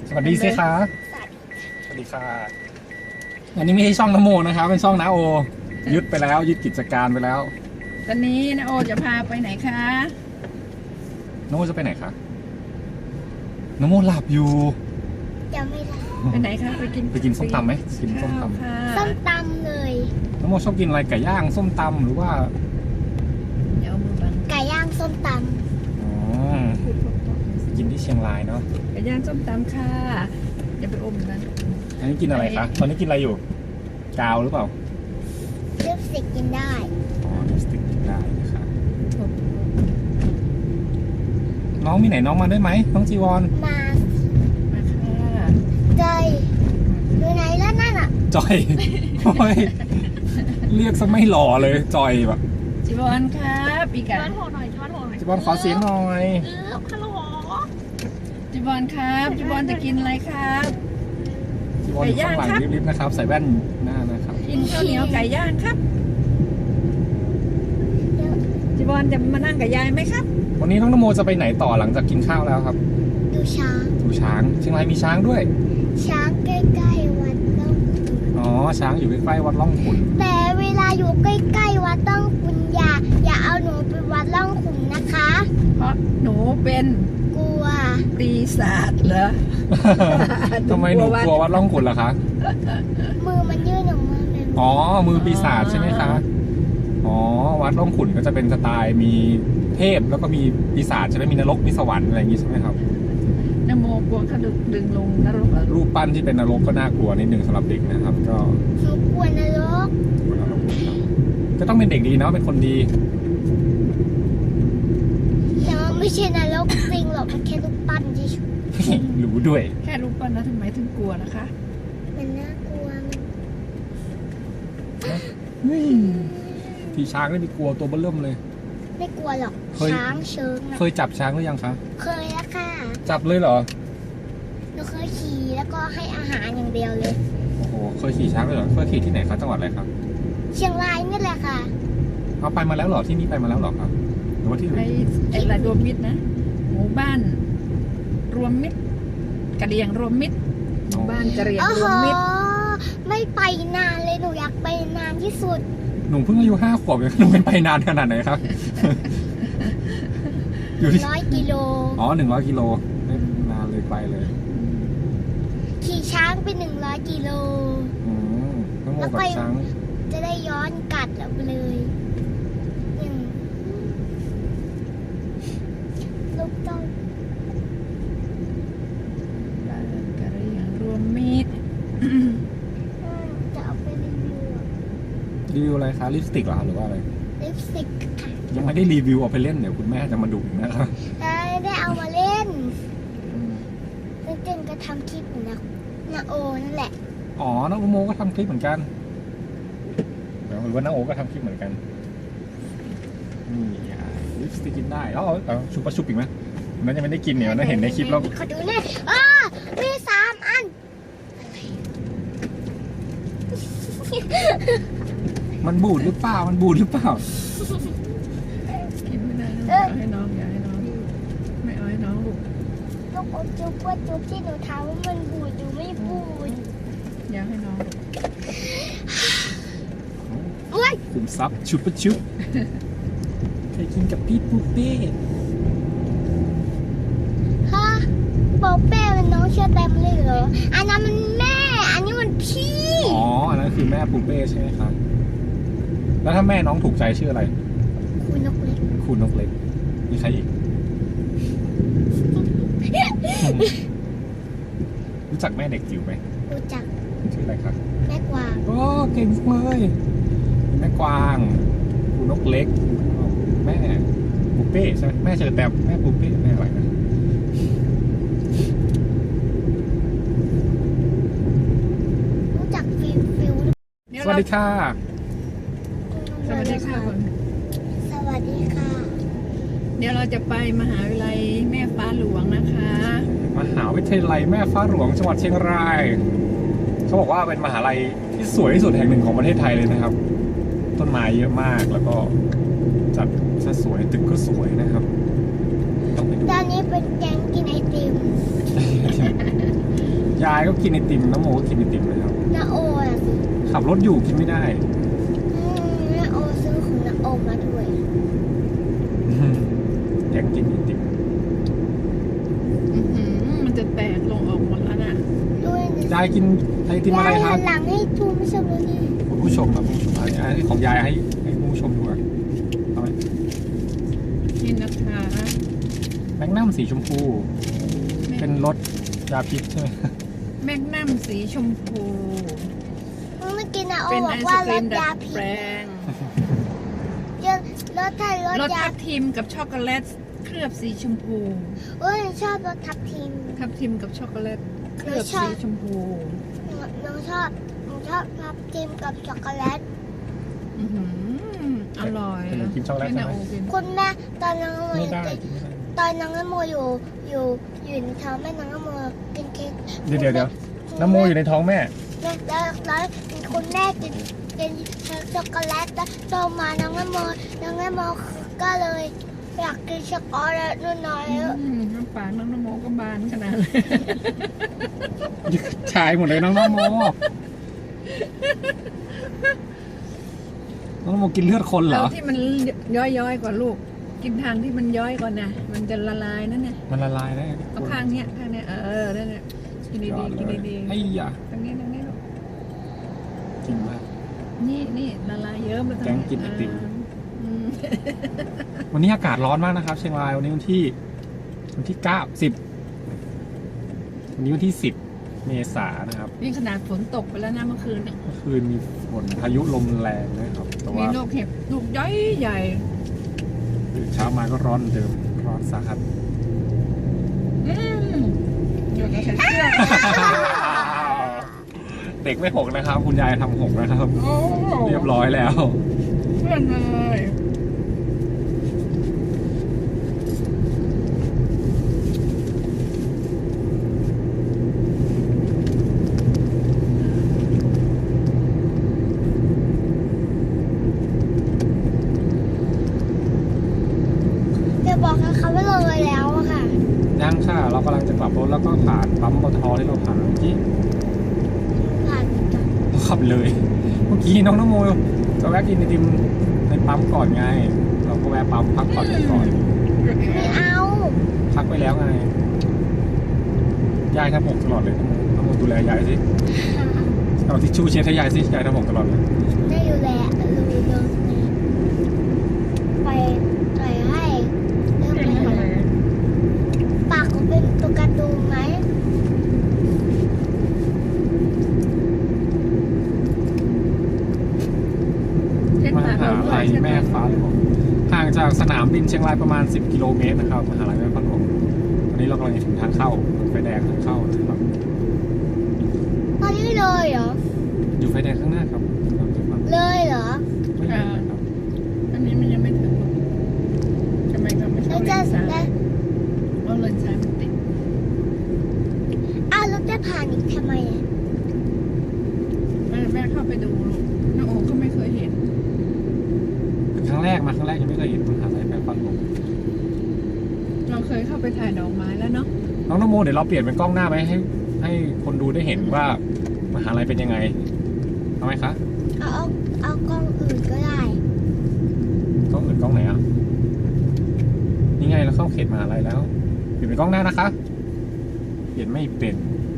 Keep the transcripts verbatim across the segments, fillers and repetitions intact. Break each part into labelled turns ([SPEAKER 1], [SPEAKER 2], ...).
[SPEAKER 1] สวัสดีสิคะสวัสดีค่ะอันนี้ไม่ใช่ช่องนโมนะครับเป็นช่องน้าโอยึดไปแล้วยึดกิจการไปแล้ว
[SPEAKER 2] ตอนนี้น้าโอจะพาไปไหนคะ
[SPEAKER 1] นโมจะไปไหนคะนโมหลับอยู่
[SPEAKER 3] จะไม่หลับ
[SPEAKER 2] ไปไหนคะไปกิน
[SPEAKER 1] ไปกินส้มตำไหมกินส้มต
[SPEAKER 3] ำส้มตำเลย
[SPEAKER 1] นโมชอบกินอะไรไก่ย่างส้มตำหรือว่า
[SPEAKER 2] เดี๋ยวมือบัง
[SPEAKER 3] ไก่ย่างส้มตำ
[SPEAKER 1] อ๋อกินที่เชียงรายเนาะ
[SPEAKER 2] ไก่ย่างส้มตำค่ะอย่าไปอมนะ
[SPEAKER 1] อันนี้กินอะไรคะตอนนี้กินอะไรอยู่กาวหรือเปล่า
[SPEAKER 3] ลิปสติกกินได้
[SPEAKER 1] อ๋อลิปสติกกินได้นะคะน้องมีไหนน้องมาด้วยไหมน้องจีวอน
[SPEAKER 3] มา
[SPEAKER 2] มาค่ะ
[SPEAKER 3] จอยอยู่ไหนแล้วนั่นอ่ะ
[SPEAKER 1] จอยโอ้ยเรียกซะไม่หล่อเลยจอยแบบ
[SPEAKER 2] จีวอนครับปีกัน
[SPEAKER 3] ช้อนโหหน่อยช้อนโหหน่อย
[SPEAKER 1] จีวอนขอเสียงหน่อย
[SPEAKER 3] เออฮัลโหล
[SPEAKER 2] จีวอนครับจีวอนจะกินอะไรครับ
[SPEAKER 1] จีวอนอยู่ข้างหลังริบๆนะครับใส่แว่นหน้านะครับ
[SPEAKER 2] กินข้าวเหนียวไก่ย่างครับจีวอนจะมานั่งกับยายไหมครับ
[SPEAKER 1] วันนี้น้องนโมจะไปไหนต่อหลังจากกินข้าวแล้วครับ
[SPEAKER 3] ดูช้าง
[SPEAKER 1] ดูช้างเชียงรายมีช้างด้วย
[SPEAKER 3] ช้างใกล้ๆวัดล่องขุน
[SPEAKER 1] อ๋อช้างอยู่ใกล้ๆวัดล่องขุน
[SPEAKER 3] แต่เวลาอยู่ใกล้ๆวัดล่องขุนอย่าอย่าเอาหนูไปวัดล่องขุนนะคะ
[SPEAKER 2] เพราะหนูเป็น
[SPEAKER 3] กลัว
[SPEAKER 2] ปีศาจเหรอ
[SPEAKER 1] ทำไมหนูกลัววัดล่องขุนล่ะคะ
[SPEAKER 3] มือมันยื่นออกมาเป็น
[SPEAKER 1] อ๋อมือปีศาจใช่ไหมคะอ๋อวัดล่องขุนก็จะเป็นสไตล์มีเทพแล้วก็มีปีศาจใช่ไหมมีนรกมีสวรรค์อะไรอย่างงี้ใช่ไหมครับ
[SPEAKER 2] นโมกลัวเขาดึงดึงลงนรก
[SPEAKER 1] รูปปั้นที่เป็นนรกก็น่ากลัวนิดนึงสำหรับเด็กนะครับก็
[SPEAKER 3] หนูกลัวนรก
[SPEAKER 1] ก็ต้องเป็นเด็กดีเนาะเป็นคนดี
[SPEAKER 3] แต่ว่าไม่ใช่นรกจริงหรอกมันแค่รูปปั้นเฉย
[SPEAKER 1] ๆรู้ด้วย
[SPEAKER 2] แค่รูปปั้นนะทำไมถึงกลัวนะคะ
[SPEAKER 3] มันน่ากลัว
[SPEAKER 1] ที่ช้างนี่ไม่กลัวตัวเบิ่มเลย
[SPEAKER 3] ไม่กลัวหรอกช้างเชิง
[SPEAKER 1] เคยจับช้างหรือยังคะ
[SPEAKER 3] เคยแล้วค่ะ
[SPEAKER 1] จับเลยเหรอ
[SPEAKER 3] หนูเคยขี่แล้วก็ให้อาหารอย่างเดียวเลย
[SPEAKER 1] โอ้โหเคยขี่ช้างเลยเหรอเคยขี่ที่ไหนคะจังหวัดอะไรครับ
[SPEAKER 3] เชียงรายนี่แหละค่ะ
[SPEAKER 1] เอาไปมาแล้วเหรอที่นี่ไปมาแล้วเหรอครับหรือว่าที่ไหน
[SPEAKER 2] ไอ้ระรวมมิตรนะหมู่บ้านรวมมิตรกระเดียงรวมมิตรหมู่บ้านกระเดียงรวมมิตร
[SPEAKER 3] ไม่ไปนานเลยหนูอยากไปนานที่สุด
[SPEAKER 1] หนูเพิ่งอายุห้าขวบเองหนูเป็นไปนานขนาดไหนครับ
[SPEAKER 3] อยู่ที่ร้อยกิโล
[SPEAKER 1] อ๋อหนึ่งร้อยกิโลนานเลยไปเลย
[SPEAKER 3] ขี่ช้างไปหนึ่งร้อยกิโล
[SPEAKER 1] แล้วก็ช้าง
[SPEAKER 3] จะได้ย้อนกัดเราไปเลยลูกต้อง
[SPEAKER 2] กระเรียงรวมมิตร
[SPEAKER 3] จะเอาไปรีวิว
[SPEAKER 1] รีวิวอะไรคะลิปสติกเหรอหรือว่าอะไร
[SPEAKER 3] ลิปสติกค่ะ
[SPEAKER 1] ยังไม่ได้รีวิวเอาไปเล่นเดี๋ยวคุณแม่จะมาดุอีกนะครับ
[SPEAKER 3] ได้เอามาเล่นเจนก็ทำคลิปนะนาโอนั่นแหละ
[SPEAKER 1] อ๋อน้องโมก็ทำคลิปเหมือนกันหรือว่าน้องโอก็ทำคลิปเหมือนกันนี่ลิปสติกกินได้อ๋อเอาชุบปะชุบอีกไหมนั่นยังไม่ได้กินเนี่ยนั่นเห็นในคลิปแล้ว
[SPEAKER 3] ขอดูหน่อยอ๋อมีสามอัน
[SPEAKER 1] มันบูดหรือเปล่ามันบูดหรือเปล่า
[SPEAKER 2] กินไม่ได้อยากให้น้องอยากให้น้องไม่เอาให้น้องลูก
[SPEAKER 3] ลูกอมจุ๊บว่าจุ๊บที่หนูถามว่ามันบูดหรือไม่บูด
[SPEAKER 2] อยากให้น้อง
[SPEAKER 3] โอ้ย
[SPEAKER 1] ขุมทรัพย์ชุบปะชุบเคยกินกับพี่ปูเป้
[SPEAKER 3] ฮะปูเป้เป็นน้องเชื่อเต็มเลยเหรออันนั้นมันแม่อันนี้มันพี่
[SPEAKER 1] อ๋ออันนั้นคือแม่ปูเป้ใช่ไหมครับแล้วถ้าแม่น้องถูกใจชื่ออะไร
[SPEAKER 3] คุณนกเล็ก
[SPEAKER 1] คุณนกเล็กมีใครอีกรู้จักแม่เด็กจิ๋วไหม
[SPEAKER 3] รู้จัก
[SPEAKER 1] ชื่ออะไรครับ
[SPEAKER 3] แม่กวาง
[SPEAKER 1] โอ้เก่งเลยแม่กวางคุณนกเล็กแม่ปูเป้ใช่ไหมแม่เจอแต่แม่ปูเป้แม่อะไรนะ
[SPEAKER 3] รู้จักฟิวฟิว
[SPEAKER 1] สวัสดีค่ะ
[SPEAKER 2] สวัสดีค่ะ
[SPEAKER 3] สวัสดีค่ะ
[SPEAKER 2] เดี๋ยวเราจะไปมหาวิทยาลัยแม่ฟ้าหลวงนะคะ
[SPEAKER 1] มหาวิทยาลัยแม่ฟ้าหลวงจังหวัดเชียงรายเขาบอกว่าเป็นมหาลัยที่สวยที่สุดแห่งหนึ่งของประเทศไทยเลยนะครับต้นไม้เยอะมากแล้วก็จัดซะสวยตึกก็สวยนะครับต้องไปดู
[SPEAKER 3] ตอนนี้เป็นแกงกินไอติม
[SPEAKER 1] ยายก็กินไอติมน้ำโมก็กินไอติมนะครับ
[SPEAKER 3] นาโออะสิ
[SPEAKER 1] ขับรถอยู่กินไม่ได้
[SPEAKER 3] อืมนาโอซื้อของนาโอมาด้วย
[SPEAKER 1] อยากกินไอติม
[SPEAKER 2] อื้อหือมันจะแตกลงออกหมดแล้วน่ะ
[SPEAKER 3] ด้วยนะ
[SPEAKER 1] ยายกินไอติมอะไรครับ
[SPEAKER 3] ยายหันหลังให้ทูไม่ชมเลยดิ
[SPEAKER 1] ผู้ชมครับผู้ชมอันนี้ของยายให้ให้ผู้ชมดูอะเอาไหม
[SPEAKER 2] นี่นะคะ
[SPEAKER 1] แมกนัมสีชมพู เป็นรสยาพิษใช่ไหม
[SPEAKER 2] แมกนัมสีชมพู
[SPEAKER 3] เมื่อกี้นาโอ
[SPEAKER 2] เป็น
[SPEAKER 3] บ
[SPEAKER 2] ไอ
[SPEAKER 3] อก
[SPEAKER 2] ศ
[SPEAKER 3] ว่าก ร
[SPEAKER 2] รี
[SPEAKER 3] ส
[SPEAKER 2] มดั
[SPEAKER 3] ยา
[SPEAKER 2] ด
[SPEAKER 3] พิ
[SPEAKER 2] แป
[SPEAKER 3] ษ
[SPEAKER 2] ลง
[SPEAKER 3] เยอะรสไทยรส
[SPEAKER 2] รส
[SPEAKER 3] ยา
[SPEAKER 2] ทับทิมกับช็อกโกแลตเคลือบสีชมพู
[SPEAKER 3] เอ้ยชอบรสทับทิม
[SPEAKER 2] ทับทิมกับช็อกโกแลตเคลือบ
[SPEAKER 3] ชอบ
[SPEAKER 2] สีชมพู
[SPEAKER 3] น้องชอบน้องชอบทับทิมกับช็อกโกแลต
[SPEAKER 2] อื้อหืออร่อย
[SPEAKER 1] เป็นกินช็อกโกแลต
[SPEAKER 2] ให้
[SPEAKER 1] ใช่
[SPEAKER 2] นา
[SPEAKER 3] ค
[SPEAKER 1] ไหมุ
[SPEAKER 2] กิน
[SPEAKER 3] ณแม่ตอนน้องโม
[SPEAKER 1] ไม่ได้กินไม่ได้
[SPEAKER 3] ตอนน้องโมอยู่อยู่อยู่ในท้องแม่น้องโมกินเค้ก
[SPEAKER 1] เดี๋ยวเดี๋ยวเดี๋ยวน้ำโมอยู่ในท้องแม่
[SPEAKER 3] แล้วแล้วแล้วคุณแม่กินกินช็อกโกแลตแล้วโตมาน้องโมน้องโมก็เลยอยากกินช็อกโกแลตนู่นน้อย
[SPEAKER 2] อืมน้ำปากน้องนโมก็บานขนาดเลย
[SPEAKER 1] ชายหมดเลยน้องน้ำโมน้องน้ำโมกินเลือดคนเหร
[SPEAKER 2] เอา
[SPEAKER 1] อ
[SPEAKER 2] ที่มันย้อยๆกว่าลูก กินทางที่มันย้อยก่อนนะมันจะละลายนั่นน่ะ
[SPEAKER 1] มันละลายได้
[SPEAKER 2] เอาข้างเนี้ยข้างเนี้ยเออนั่นแหละกินดีๆกินดี
[SPEAKER 1] ไอ้ยา
[SPEAKER 2] ๆทางนี้ทางนี้ลูก
[SPEAKER 1] จริงมาก
[SPEAKER 2] นี่นี่ละลายเยอะมาทาง
[SPEAKER 1] แกงกินไอติม
[SPEAKER 2] อืม
[SPEAKER 1] วันนี้อากาศร้อนมากนะครับ เชียงรายวันนี้วันที่วันที่เก้าสิบวันนี้วันที่สิบเมษายนนะครับ
[SPEAKER 2] นี่ขนาดฝนตกไปแล้วนะเมื่อคืนเนี่ย
[SPEAKER 1] เมื่อคืนมีฝนพายุลมแรงนะครับ แต่
[SPEAKER 2] มี
[SPEAKER 1] ว่า
[SPEAKER 2] ลูกเห็บลูกย้อยใหญ่
[SPEAKER 1] ตื่นเช้ามาก็ร้อนเหมือนเดิมร้อนสาหัส
[SPEAKER 2] อืมเดี๋ยวจะใส่เสื้อ
[SPEAKER 1] เด็กไม่หกนะครับ คุณยายทำหกนะครับ
[SPEAKER 2] โอ้
[SPEAKER 1] เรียบร้อยแล้ว
[SPEAKER 2] เพื่อนเลย
[SPEAKER 3] จะบอกให้เขาว่าเลยแล้วอะค่ะ
[SPEAKER 1] ยังค่ะ เรากำลังจะกลับรถแล้วก็ผ่านปั๊มปตทที่เราผ่านเมื่อกี้
[SPEAKER 3] ผ่านจ้ะ
[SPEAKER 1] เราขับเลย เมื่อกี้น้องน้องโมจะแวะกินไอติมในปั๊มก่อนไง เราก็แวะปั๊มพักผ่อนกันก่อน
[SPEAKER 3] ไม่เอา
[SPEAKER 1] พักไปแล้วไง ยายทำหกตลอดเลยน้องโมดูแลยายสิเอาทิชชู่เช็ดให้ยายสิยายทำหกตลอดเลย
[SPEAKER 3] ได้อยู่แหละดูเดินไปไปให้เรื่อง
[SPEAKER 2] เป็น
[SPEAKER 3] ไป
[SPEAKER 2] อะไร
[SPEAKER 3] ปากเขาเป็นตัวการ์ตูนไหม
[SPEAKER 2] เช็ด
[SPEAKER 1] ม
[SPEAKER 2] ปาก
[SPEAKER 1] หา
[SPEAKER 2] เราด้ว
[SPEAKER 1] ลั
[SPEAKER 2] ย
[SPEAKER 1] ย
[SPEAKER 2] ใช่ไหม
[SPEAKER 1] แม่ฟ้าหลวงห่างจากสนามบินเชียงรายประมาณสิบกิโลเมตรนะครับมหาลัยแม่ฟ้าหลวงตอนนี้เรากำลังจะถึงทางเข้าไฟแดงทางเข้านะครับ
[SPEAKER 3] ตอนนี้เลยเหรอ
[SPEAKER 1] อยู่ไฟแดงข้างหน้าครับ
[SPEAKER 3] เลยเหรอ
[SPEAKER 1] ไม่เห็นเลยครับ
[SPEAKER 2] อันนี้มันยังไม่ถึงหรอกทำไมเราไม่ช
[SPEAKER 3] แล้
[SPEAKER 2] อ
[SPEAKER 3] ว
[SPEAKER 2] บเล
[SPEAKER 3] จะ
[SPEAKER 2] นซ้าย
[SPEAKER 3] แล้ว
[SPEAKER 2] เพราะเลนซ้ายมันติด
[SPEAKER 3] อ้าวแล้วจะผ่านอีกทำไมอะ
[SPEAKER 2] แม่แม่เข้าไปดูลูกน้าโอก็ไม่เคยเห็น
[SPEAKER 1] เป็นครั้งแรกมาครั้งแรกยังไม่เคยเห็นมหาลัยแม่ฟ้าหลวง
[SPEAKER 2] เราเคยเข้าไปถ่ายดอกไม้แล้วเนาะ
[SPEAKER 1] น้องนโมเดี๋ยวเราเปลี่ยนเป็นกล้องหน้าไหมให้ ให้คนดูได้เห็นว่ามหาลัยเป็นยังไงเอาไหมคะ
[SPEAKER 3] เอาเอาเอากล้องอื่นก็ได้
[SPEAKER 1] กล้องอื่นกล้องไหนอ่ะนี่ไงเราเข้าเขตมหาลัยแล้ว เปลี่ยนเป็นกล้องหน้านะคะ เปลี่ยนไม่เป็น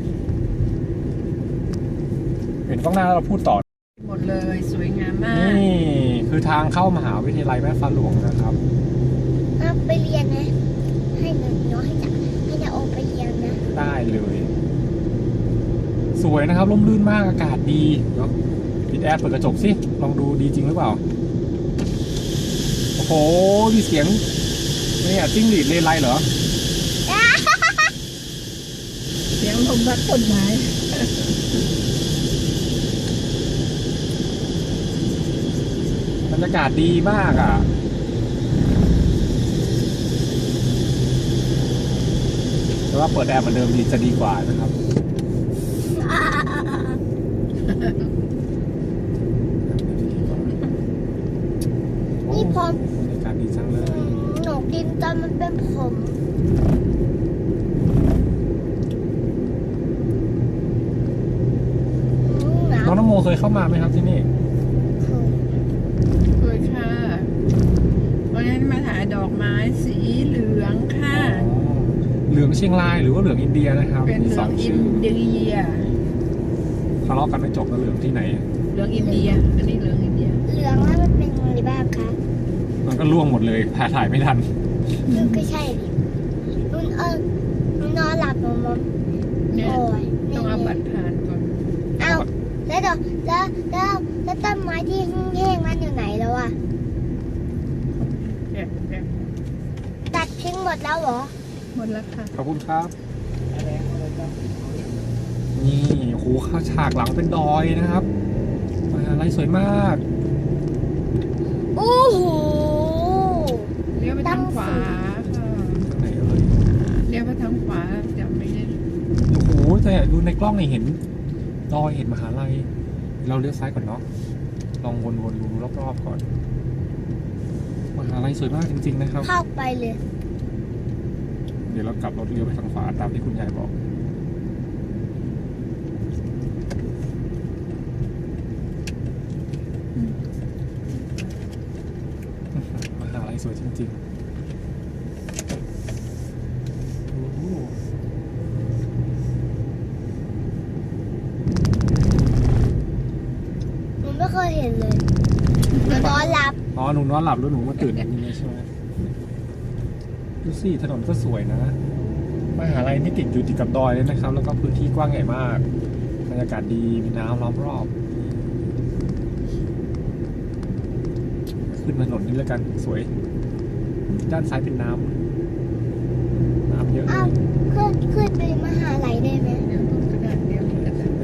[SPEAKER 1] เปลี่ยนกล้องหน้าแล้วเราพูดต่อ
[SPEAKER 2] หมดเลยสวยงามมาก
[SPEAKER 1] นี่คือทางเข้ามหาวิทยาลัยแม่ฟ้าหลวงนะครับ
[SPEAKER 3] เอาไปเรียนนะให้หนูน้อยให้จะให้จะโอไปเรียนนะ
[SPEAKER 1] ได้เลย สวยนะครับร่มรื่นมากอากาศดีเนาะปิดแอร์เปิดกระจกสิลองดูดีจริงหรือเปล่า โอ้โหมีเสียงเนี่ยจิ้งหรีดเลไลเหรอ
[SPEAKER 2] เสียงลมพัดต้นไม้
[SPEAKER 1] บรรยากาศดีมากอ่ะแต่ว่าเปิดแอร์เหมือนเดิมดีจะดีกว่านะครับ
[SPEAKER 3] นี่พอ
[SPEAKER 1] บรรยากาศดีจังเลย
[SPEAKER 3] หนูกินตอนมันเป็นผม
[SPEAKER 1] ยเข้ามาไหมครับที่นี่
[SPEAKER 3] เคย
[SPEAKER 2] เคยค่ะวันนั้นมาถ่ายดอกไม้สีเหลืองค่ะ
[SPEAKER 1] อ๋อเหลืองเชียงรายหรือว่าเหลืองอินเดียนะครับ
[SPEAKER 2] เป็นเหลื
[SPEAKER 1] ส
[SPEAKER 2] อง
[SPEAKER 1] อง
[SPEAKER 2] อิ
[SPEAKER 1] ชื่
[SPEAKER 2] น
[SPEAKER 1] อ
[SPEAKER 2] เดีย
[SPEAKER 1] ทะเลาะกันไม่จบแล้วเหลืองที่ไหน
[SPEAKER 2] เหลืองอินเดีย อันนี้เหลืองอินเดีย
[SPEAKER 3] เหลืองแล้วมันเป็นอะไรบ้างคะ
[SPEAKER 1] มันก็ล่วงหมดเลยถ่ายถ่ายไม่ทัน
[SPEAKER 3] นุ่นก็ใช่ดินุ่นเออนุ่นนอนหลับนอนมอน
[SPEAKER 2] เนี่ย
[SPEAKER 3] โอ้ย
[SPEAKER 2] ต้องเอาบัตรผ่านก่อน
[SPEAKER 3] เอาแล้วเดี๋ยวแล้วแล้วแล้วต้นไม้ที่แห้งๆนั้นอยู่ไหนแล้วอะ
[SPEAKER 2] แอบแอบ
[SPEAKER 3] ตัดทิ้งหมดแล้วเหรอ
[SPEAKER 2] หมดแล้วค่ะ
[SPEAKER 1] ขอบคุณครับ นี่โอ้โหข้าวฉากหลังเป็นดอยนะครับมหาลัยสวยมาก
[SPEAKER 3] โอ้โห
[SPEAKER 2] เลี้ยวไปทางขวาค่ะ
[SPEAKER 1] ทางไหนเอ่ย
[SPEAKER 2] เลี้ยวไปทางขวาจะไม่ได้
[SPEAKER 1] โอ้โหแต่ดูในกล้องนี่เห็นดอยเห็นมหาลัย เราเลี้ยวซ้ายก่อนเนาะ ลองวนๆดูรอบๆก่อน มหาลัยสวยมากจริงๆนะครับ
[SPEAKER 3] เข้าไปเลย
[SPEAKER 1] เดี๋ยวเรากลับรถเลี้ยวไปทางขวาตามที่คุณยายบอก มหาลัยสวยจริงๆโอ้โห
[SPEAKER 3] หนูไม่เคยเห็นเลยหนูนอนหลับ
[SPEAKER 1] อ๋อหนูนอนหลับแล้วหนูมาตื่นอย่างนี้เลยใช่ไหมดูสิถนนก็สวยนะ มหาลัยนี่ติดอยู่ติดกับดอยเลยนะครับ แล้วก็พื้นที่กว้างใหญ่มาก บรรยากาศดีมีน้ำล้อมรอบ ขึ้นถนนนี้แล้วกันสวย ด้านซ้ายเป็นน้ำน้ำเยอะเล
[SPEAKER 3] อ้าวย ขึ้นขึ้นไปมหาลัยได้ไหม
[SPEAKER 2] เดี๋ยวต้นกระดาษเดี๋ยวกระดาษ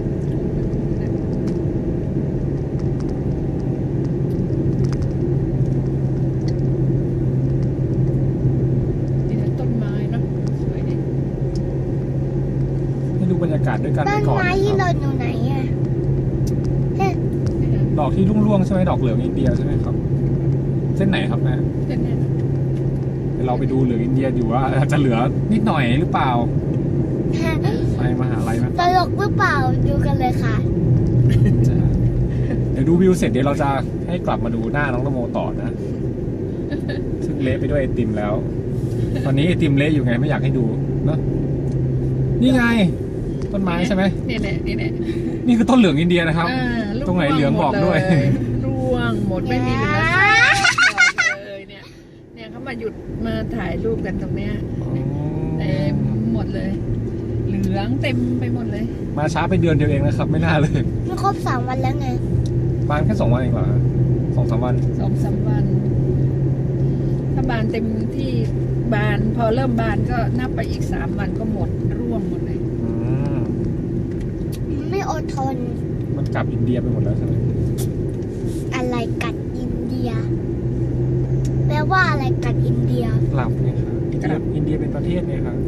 [SPEAKER 2] นี่นะต้นไม้เนอะสวยดี
[SPEAKER 1] ให้ดูบรรยากาศด้วยกัน
[SPEAKER 3] ต้
[SPEAKER 1] ไป
[SPEAKER 3] น
[SPEAKER 1] ก่อน
[SPEAKER 3] ไม้
[SPEAKER 1] นะ
[SPEAKER 3] ที่
[SPEAKER 1] ค
[SPEAKER 3] ห
[SPEAKER 1] รับ
[SPEAKER 3] ล่นอยู่ไหนอะเฮ้ย
[SPEAKER 2] นี่นะ
[SPEAKER 1] ดอกที่ร่วงๆใช่ไหมดอกเหลืองอินเดียใช่ไหมครับ เส้นไหนครับแม่
[SPEAKER 2] เส้นเนี้ย
[SPEAKER 1] เดี๋ยวเราไปดูเหลืองอินเดียอยู่ว่าจะเหลือนิดหน่อยหรือเปล่าไปมหาลัยไหม
[SPEAKER 3] ตลกหรือเปล่าดูกันเลยค่ะ
[SPEAKER 1] จะเดี๋ยวดูวิวเสร็จเดี๋ยวเราจะให้กลับมาดูหน้าน้องนโมต่อนะ ซึ่งเละไปด้วยไอติมแล้ว ตอนนี้ไอติมเละอยู่ไงไม่อยากให้ดูเนอะนี่ไง ต้นไม้ใช่ไหม
[SPEAKER 2] นี่แหละนี่แหละ
[SPEAKER 1] นี่คือต้นเหลืองอินเดียนะครับ
[SPEAKER 2] อ่าลูก
[SPEAKER 1] ตรงไหนเหลืองบอกด้วย
[SPEAKER 2] ร่วงหมดไม่มีเหลือสักดอกเลยเนี่ย เนี่ยเขามาหยุดมาถ่ายรูปกันตรงเนี้ยเต็มหมดเลย เหลืองเต็มไปหมดเลย
[SPEAKER 1] มาช้าไปเดือนเดียวเองนะครับ ไม่น่าเลย
[SPEAKER 3] มันครบสามวันแล้วไง
[SPEAKER 1] บานแค่สองวันเองเหรอสองสามวัน
[SPEAKER 2] สองสามวัน ถ้าบานเต็มที่บานพอเริ่มบานก็นับไปอีกสามวันก็หมดร่วงหมดเลย
[SPEAKER 1] อืม
[SPEAKER 3] ไม่อดทน
[SPEAKER 1] มันกลับอินเดียไปหมดแล้วใช่ไหม
[SPEAKER 3] อะไรกัดอินเดีย แปลว่าอะไรกัดอินเดีย
[SPEAKER 1] กลับไงครับอินเดียอินเดียเป็นประเทศไงครับ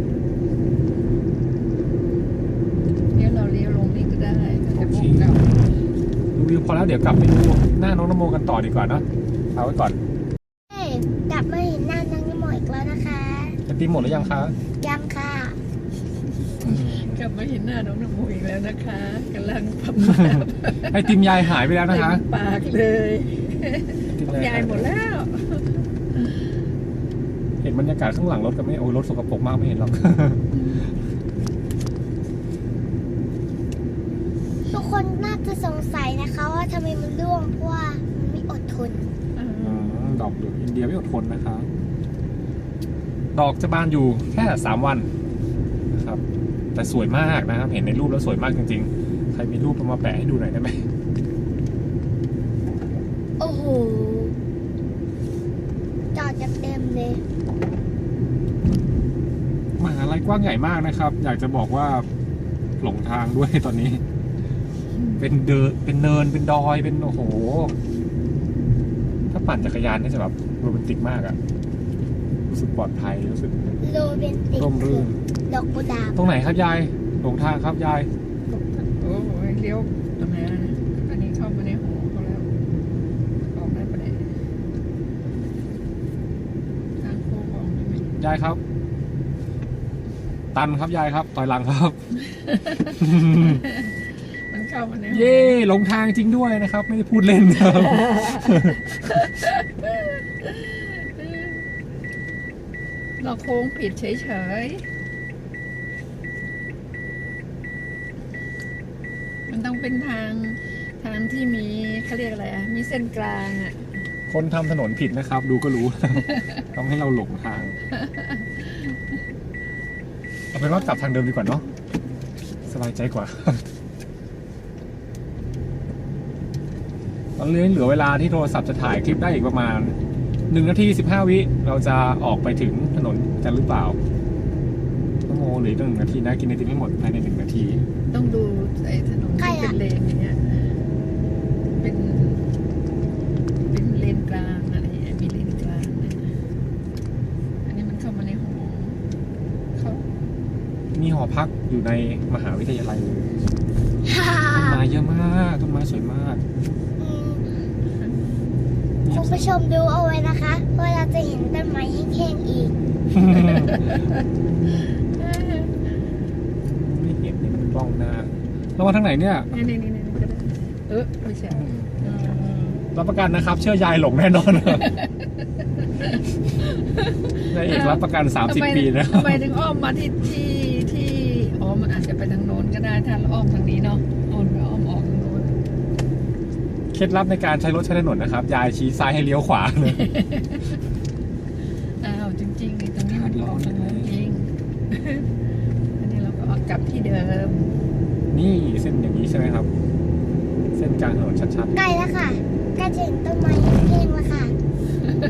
[SPEAKER 2] เดี๋ยวเราเลี้ยวลงนี่ก็ได้ถ้าจะพุ่งกลับ
[SPEAKER 1] ดูวิวพอแล้วเดี๋ยวกลับไปดูหน้าน้องนโมกันต่อดีกว่าเนอะเอาไว้ก่อน
[SPEAKER 3] เฮ้ยกลับมาเห็นหน้านางนิโมอีกแล้วนะคะ
[SPEAKER 1] จะตีหมดหรือยังคะ
[SPEAKER 3] ยังค่ะ
[SPEAKER 2] กลับมาเห็นหน้าน้องนโมอีกแล้วนะคะกำลังพับ
[SPEAKER 1] ไอติมยายหายไปแล้วนะคะ
[SPEAKER 2] เต็มปากเลย
[SPEAKER 1] ไอติม
[SPEAKER 2] ยายหมดแล้ว
[SPEAKER 1] เห็นบรรยากาศข้างหลังรถก็ไม่โอ้ยรถสกปรกมากไม่เห็นหรอก
[SPEAKER 3] ทุกคนน่าจะสงสัยนะคะว่าทำไมมันร่วงเพราะว่ามันไม่อดทน
[SPEAKER 1] อืมดอกเหลืองอินเดียไม่อดทนนะคะ ดอกจะบานอยู่แค่สามวันนะครับ แต่สวยมากนะครับ เห็นในรูปแล้วสวยมากจริงๆ ใครมีรูปเอามาแปะให้ดูหน่อยได้ไหม
[SPEAKER 3] โอ้โห จอดจะเต็มเลย
[SPEAKER 1] มหาลัยกว้างใหญ่มากนะครับ อยากจะบอกว่าหลงทางด้วยตอนนี้ เป็นเดินเป็นเนินเป็นดอยเป็นโอ้โห ถ้าปั่นจักรยานนี่จะแบบโรแมนติกมากอะรู้สึกปลอดภัยรู้สึก
[SPEAKER 3] โรแมนติก
[SPEAKER 1] ร่มรื่น
[SPEAKER 3] ดอกกุหลาบ
[SPEAKER 1] ตรงไหนครับยายหลงทางครับยาย
[SPEAKER 2] โอ้โหเลี้ยวตรงไหนอะอันนี้เข้ามาในหอเขาแล้วออกได้ปะเนี่ยทางโค้งออกได้ไหม
[SPEAKER 1] ยายครับ ตันครับยายครับต่อยหลังครับ
[SPEAKER 2] มันเข้ามาใน
[SPEAKER 1] เย่หลงทางจริงด้วยนะครับ ไม่ได้พูดเล่นครับ
[SPEAKER 2] เราโค้งผิดเฉยๆมันต้องเป็นทางทางที่มีเขาเรียกอะไรอ่ะมีเส้นกลางอ่ะ
[SPEAKER 1] คนทำถนนผิดนะครับ ดูก็รู้ ทำให้เราหลงทางเอาเป็นว่ากลับทางเดิมดีกว่าเนาะสบายใจกว่า ตอนนี้เหลือเวลาที่โทรศัพท์จะถ่ายคลิปได้อีกประมาณหนึ่งนาทีสิบห้าวิเราจะออกไปถึงถนนกันหรือเปล่าต้องโมเหลืออีกหนึ่งนาทีนะกินไอติมให้หมดภายในหนึ่งนาที
[SPEAKER 2] ต้องดูไอ้ถนนที่เป็นเลนอย่างเงี้ยเป็นเป็นเลนกลางอะไรอย่างเงี้ยมีเลนกลางนะอันนี้มันเข้ามาในหอเขา
[SPEAKER 1] มีหอพักอยู่ในมหาวิทยาลัยเลยต้นไม้เยอะมากต้นไม้สวยมาก
[SPEAKER 3] อืมคุณผู้ชมดูเอาไว้นะคะว่าเราจะเห็นต้นไม้แห้งๆอีก
[SPEAKER 1] ไม่เห็นนี่มันกล้องหน้าเรามาทางไหนเนี่ย
[SPEAKER 2] นี่นี่นี่นี่ก็ได้เออไม่ใช่เออ
[SPEAKER 1] รับประกันนะครับ เชื่อยายหลงแน่นอนนายเอกรับประกัน สามสิบ
[SPEAKER 2] ทำไ
[SPEAKER 1] ปีนะ
[SPEAKER 2] ทำไมถึงอ้อมมาที่ที่ที่อ๋อมันอาจจะไปทางโน้นก็ได้ถ้าเราอ้อมทางนี้เนาะอ้อมไปอ้อมออกทางโน้น
[SPEAKER 1] เคล็ดลับในการใช้รถใช้ถนนนะครับ ยายชี้ซ้ายให้เลี้ยวขวาเลย
[SPEAKER 2] อ้าวจริงๆไอ้ตรงนี้มันออกทางโน้นจริง อันนี้เราก็ออกกลับที่เดิม
[SPEAKER 1] นี่เส้นอย่างนี้ใช่ไหมครับ เส้นกลางถนนชัด
[SPEAKER 3] ใกล้แล้วค่ะใกล้จะเห็นต้นไม้แห้งๆแล้วค่ะ